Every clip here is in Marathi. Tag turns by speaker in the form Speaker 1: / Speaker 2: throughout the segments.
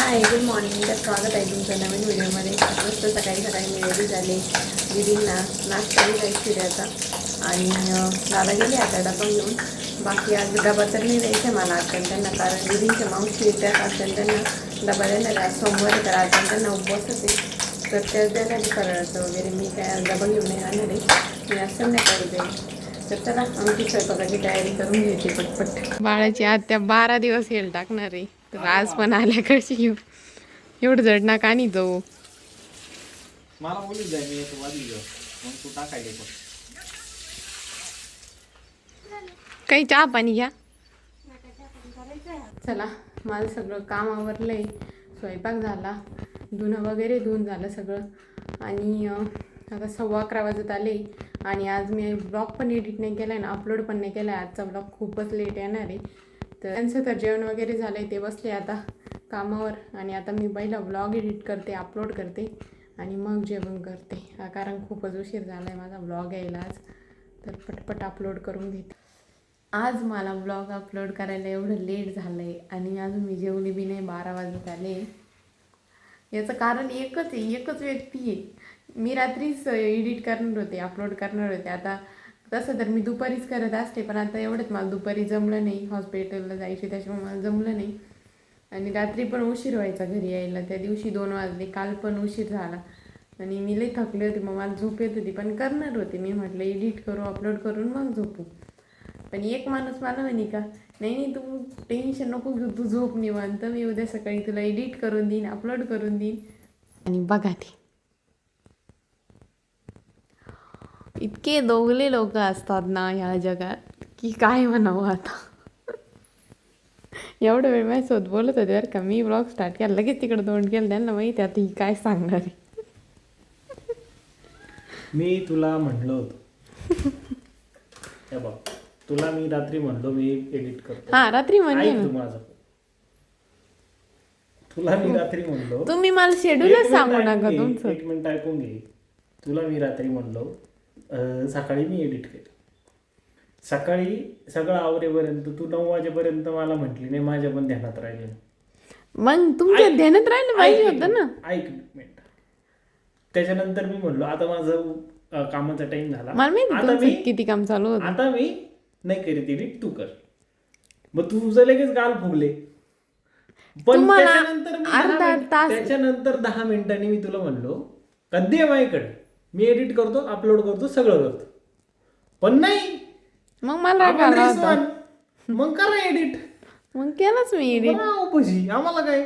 Speaker 1: Hi good morning. तर स्वागत आहे तुमचं नवीन व्हिडिओमध्ये. मस्त सकाळी सकाळी मी रेडी झाले. दीदींना नाश्ताही काही शिऱ्याचा आणि दादा गेले आता डबा घेऊन. बाकी आज डबा तर नाही द्यायचा मला आज त्यांना, कारण दीदींच्या मावशी त्यात असेल त्यांना डबा देणार आहे. सोमवार तर आज त्यांना उपवासच आहे, तर त्याच देणार आहे फराळाचं वगैरे. मी काय आज डबा घेऊन नाही आणणार आहे, मी आज संध्याकाळी जाईल. तर चला आमची स्वयंपाकाची तयारी करून घ्यायची पटपट. बाळाची आत्या 12 दिवस येईल टाकणार आहे, तर आज पण आल्या कशी येऊ. एवढं जड ना का नाही जाऊ.
Speaker 2: मला बोलून जाय मी येतो वाजली जाऊ मग तू टाकायला पण
Speaker 1: काही चहा पाणी घ्या. चला माझं सगळं काम आवरलंय. स्वयंपाक झाला, धुणं वगैरे धुवून झालं सगळं आणि आता 11:15 वाजत आले. आणि आज मी ब्लॉग पण एडिट नाही केला आहे ना, अपलोड पण नाही केला आहे. आजचा ब्लॉग खूपच लेट येणार आहे. तर त्यांचं तर जेवण वगैरे झालं आहे, ते बसले आता कामावर. आणि आता मी पहिला ब्लॉग एडिट करते, अपलोड करते आणि मग जेवण करते, कारण खूपच उशीर झाला आहे माझा ब्लॉग यायला आज. तर पटपट अपलोड करून घेते. आज मला ब्लॉग अपलोड करायला एवढं लेट झालं आहे आणि अजून मी जेवली बी नाही, 12 वाजत आले. याचं कारण एकच आहे, एकच व्यक्ती आहे. मी रात्रीच एडिट करणार होते, अपलोड करणार होते. आता तसं तर मी दुपारीच करत असते, पण आता एवढंच मला दुपारी जमलं नाही, हॉस्पिटलला जायची त्याच्यामुळे मला जमलं नाही. आणि रात्री पण उशीर व्हायचा घरी यायला. त्या दिवशी 2 वाजले, काल पण उशीर झाला आणि मी लई थकले होते. मग मला झोप येत होती, पण करणार होते. मी म्हटलं एडिट करू, अपलोड करून मग झोपू. पण एक माणूस मला म्हणे का नाही नाही तू टेन्शन नको घेऊ, तू झोप निवांत, मी उद्या सकाळी तुला एडिट करून देईन, अपलोड करून देईन. आणि बघा ते इतके दोघले लोक असतात ना ह्या जगात की काय म्हणावं आता. एवढं वेळ माझ्यासोबत बोलत होते बरं का. मी ब्लॉग स्टार्ट केला, लगेच तिकडं तोंड केलं. त्यांना माहिती आता ही काय सांगणार आहे.
Speaker 2: मी तुला म्हणलो होतो हे बघ, तुला मी रात्री म्हणलो मी एडिट करतो.
Speaker 1: हा रात्री म्हणले
Speaker 2: ऐक तू माझं, तुला मी रात्री म्हणलो.
Speaker 1: तुम्ही मला शेड्यूलच सांगू नका तुमचं.
Speaker 2: एक मिनिट ऐकून घे. तुला मी रात्री म्हणलो सकाळी मी एडिट केलं. सकाळी सगळं आवरेपर्यंत तू 9 वाजेपर्यंत मला म्हटली नाही, माझ्या पण ध्यानात राहिले.
Speaker 1: मग तुमच्या ध्यानात राहिलं पाहिजे होतं ना.
Speaker 2: ऐक मिनिट. त्याच्यानंतर मी म्हणलो आता माझं कामाचा टाइम झाला,
Speaker 1: मला माहिती
Speaker 2: आता
Speaker 1: तुमचं
Speaker 2: मी
Speaker 1: किती काम चालू होतं.
Speaker 2: आता मी नाही करीत एडिट, तू कर. मग तुझं लगेच गाल फुगले. पण
Speaker 1: तुम्हाला
Speaker 2: त्याच्यानंतर मी
Speaker 1: अर्धा तास
Speaker 2: त्याच्यानंतर 10 मिनिटांनी मी तुला म्हणलो कधी आहे माझ्याकडे, मी एडिट करतो, अपलोड करतो, सगळं करतो. पण नाही,
Speaker 1: मग मला राग
Speaker 2: आपण
Speaker 1: आला होता.
Speaker 2: रिस्वान. मग करा एडिट.
Speaker 1: मग केलंच मी एडिट.
Speaker 2: पशी आम्हाला काय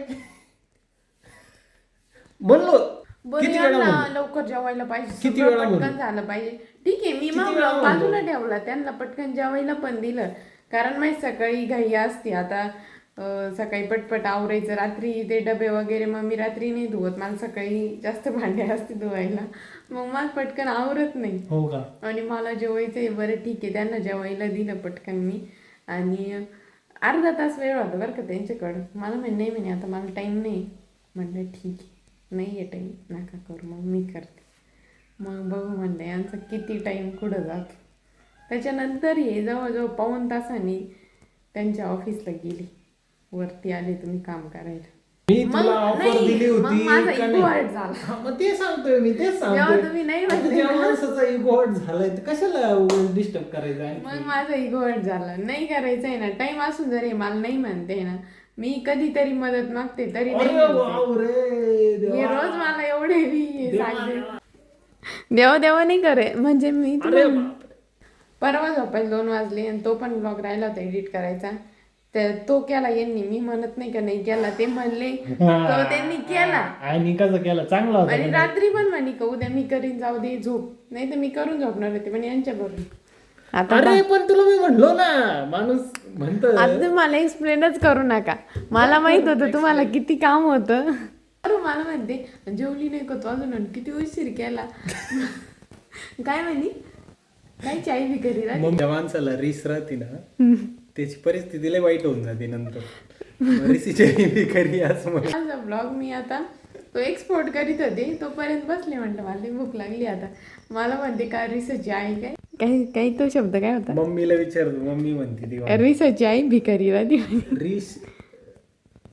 Speaker 2: म्हणलो किती वेळा
Speaker 1: ना
Speaker 2: म्हणलो?
Speaker 1: लवकर जेवायला पाहिजे,
Speaker 2: किती
Speaker 1: सगळं
Speaker 2: वेळा
Speaker 1: पटकन
Speaker 2: म्हणलो?
Speaker 1: झालं पाहिजे. ठीक आहे, मी मग
Speaker 2: वेळा
Speaker 1: बाजूला ठेवला, त्यांना पटकन जेवायला पण दिलं. कारण माझी सकाळी घाई असते. आता सकाळी पटपट आवरायचं, रात्री ते डबे वगैरे मग मी रात्री नाही धुवत, मला सकाळी जास्त भांडे असते धुवायला, मग मला पटकन आवरत नाही.
Speaker 2: हो का?
Speaker 1: आणि मला जेवायचंय. बरं ठीक आहे, त्यांना जेवायला दिलं पटकन मी. आणि अर्धा तास वेळ होता बरं का त्यांच्याकडं. मला नाही म्हणे आता मला टाईम नाही. म्हटलं ठीक आहे, नाही आहे टाईम, नका करू, मग मी करते. मग बघू म्हणलं यांचा किती टाईम कुठं जातो. त्याच्यानंतर हे जवळजवळ 1.25 तासांनी त्यांच्या ऑफिसला गेली. वरती आले तुम्ही काम करायला.
Speaker 2: मी तुला ऑफर दिली होती
Speaker 1: माझा
Speaker 2: का
Speaker 1: इगो हर्ट
Speaker 2: नाही?
Speaker 1: झाला.
Speaker 2: मग ते सांगतोय मी, तेच
Speaker 1: जेव्हा
Speaker 2: सांगतोय.
Speaker 1: तुम्ही नाही
Speaker 2: आता
Speaker 1: म्हणले
Speaker 2: ज्या
Speaker 1: ना,
Speaker 2: माणसाचा इगो हर्ट झालाय तर कशाला डिस्टर्ब करायचं आहे?
Speaker 1: मग माझा इगो हर्ट झाला. नाही करायचं आहे ना, टाइम असून जरी मला नाही म्हणते ना, मी कधीतरी मदत मागते तरी नाही
Speaker 2: अरे
Speaker 1: म्हणते.
Speaker 2: बापरे देवा.
Speaker 1: हे रोज मला एवढे मी
Speaker 2: देवा,
Speaker 1: सांगते
Speaker 2: देवा.
Speaker 1: देवा नाही करे. म्हणजे मी
Speaker 2: अरे
Speaker 1: तुला
Speaker 2: बापरे.
Speaker 1: परवा झोपायला 2 वाजले आणि तो पण ब्लॉग राहिला होता एडिट करायचा. तर तो केला यांनी. मी म्हणत नाही का नाही केला, ते म्हणले तो त्यांनी केला.
Speaker 2: आणि कसं केलं? चांगला होता.
Speaker 1: आणि रात्री पण म्हणे का उद्या मी करीन, जाऊ दे झोप. नाही तर मी करून झोपणार होते पण यांच्या बरोबर. आता
Speaker 2: अरे पण तुला मी म्हणलो ना, माणूस म्हणतो
Speaker 1: आता मला एक्सप्लेनच करू नका. मला माहित होतं तुम्हाला किती काम होतं. अरे मला म्हणते जेवली नाही का तू अजून, किती उशीर केला. काय म्हणे काय चाय बी करी राहते.
Speaker 2: मग त्या माणसाला रिस राहते ना, त्याची परिस्थिती लय वाईट होऊन जाते नंतर. रिसीची खरी असं म्हणून.
Speaker 1: माझा ब्लॉग मी आता तो एक्सपोर्ट करीत होते, तोपर्यंत बसले. म्हटलं मला भूक लागली आता. मला म्हणते का रिसची आई काय काही काही तो शब्द काय होता.
Speaker 2: मम्मीला विचारतो, मम्मी म्हणते ती
Speaker 1: रिसची आई भिकारी राहते.
Speaker 2: रिस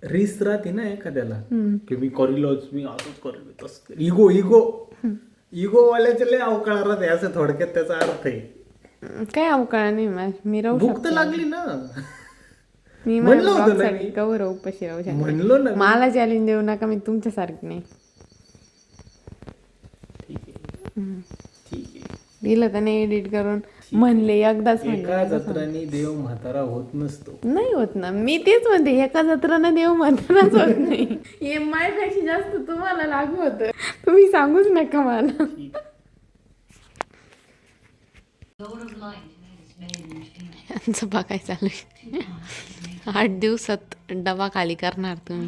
Speaker 2: रीस राहते ना एखाद्याला
Speaker 1: हम्म.
Speaker 2: की मी करीलच, मी असंच करेल, तसं करेल. इगो इगो इगो वाल्याचे लय अवकाळ राहते, असं थोडक्यात त्याचा अर्थ आहे.
Speaker 1: काय अवकाळ नाही मी राहू
Speaker 2: भूक तर
Speaker 1: शकते.
Speaker 2: लागली ना.
Speaker 1: मी
Speaker 2: म्हणलं
Speaker 1: माझ्या
Speaker 2: होतं ना
Speaker 1: ब्लॉगसाठी
Speaker 2: मी.
Speaker 1: कवर उपाशी राहू
Speaker 2: म्हणलो ना
Speaker 1: शकते.
Speaker 2: मी.
Speaker 1: मला चॅलेंज देऊ नका, मी तुमच्यासारखी नाही.
Speaker 2: ठीक आहे ठीक आहे.
Speaker 1: दिलं तर नाही एडिट करून म्हणले एकदाच
Speaker 2: एका
Speaker 1: म्हणले
Speaker 2: जत्रांनी देव म्हातारा होत नसतो.
Speaker 1: नाही होत ना. मी तेच म्हणते, एका जत्रानं देव म्हणतानाच होत नाही. हे माझ्यापेक्षा जास्त तुम्हाला लागू होतं. तुम्ही सांगूच नका मला.
Speaker 2: ठीक.
Speaker 1: यांचं बघाय चालू आहे. 8 दिवसात डबा खाली करणार तुम्ही.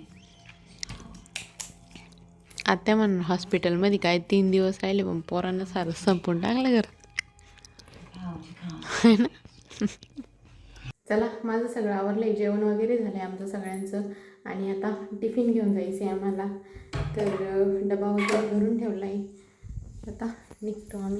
Speaker 1: आत्या म्हणून हॉस्पिटलमध्ये काय 3 दिवस राहिले, पण पोरांना सारं संपून टाकलं घर. चला, माझं सगळं आवरलंय, जेवण वगैरे झालंय आमचं सगळ्यांचं. आणि आता टिफिन घेऊन जायचं आहे आम्हाला. तर डबा वगैरे भरून ठेवला आहे. आता निघतो आम्ही.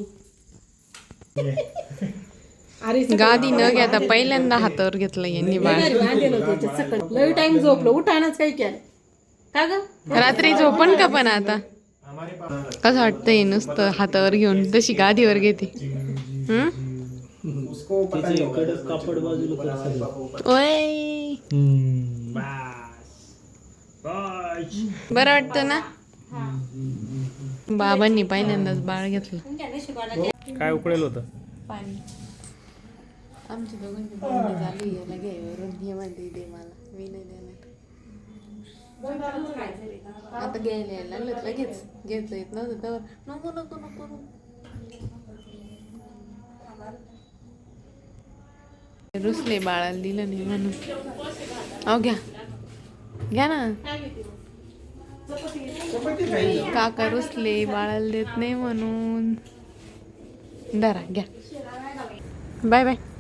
Speaker 1: गादी न घेता पहिल्यांदा हातावर घेतलं यांनी बाळ.
Speaker 3: लई टाइम झोपलो, उठानच काही केलं का ग?
Speaker 1: रात्री झोपण का पण आता कसं वाटतंय नुसतं हातावर घेऊन, तशी गादीवर घेते.
Speaker 2: कापड बाजूला
Speaker 1: ओय, बरं वाटतं ना. बाबांनी पहिल्यांदाच बाळ घेतलं.
Speaker 2: काय उकळेल होतं.
Speaker 1: पाणी आमच्या दोघांची बोलणी झाली. याला घ्यायवरून हे म्हणते दे मला, मी नाही देणार. आता घ्यायला यायला लागलं लगेच. घ्यायचं येत नव्हतं तर नको नको नको नको. रुसले बाळाला दिलं नाही म्हणून. अहो घ्या घ्या ना. काका रुसले बाळाला देत नाही म्हणून. धरा घ्या. Bye bye.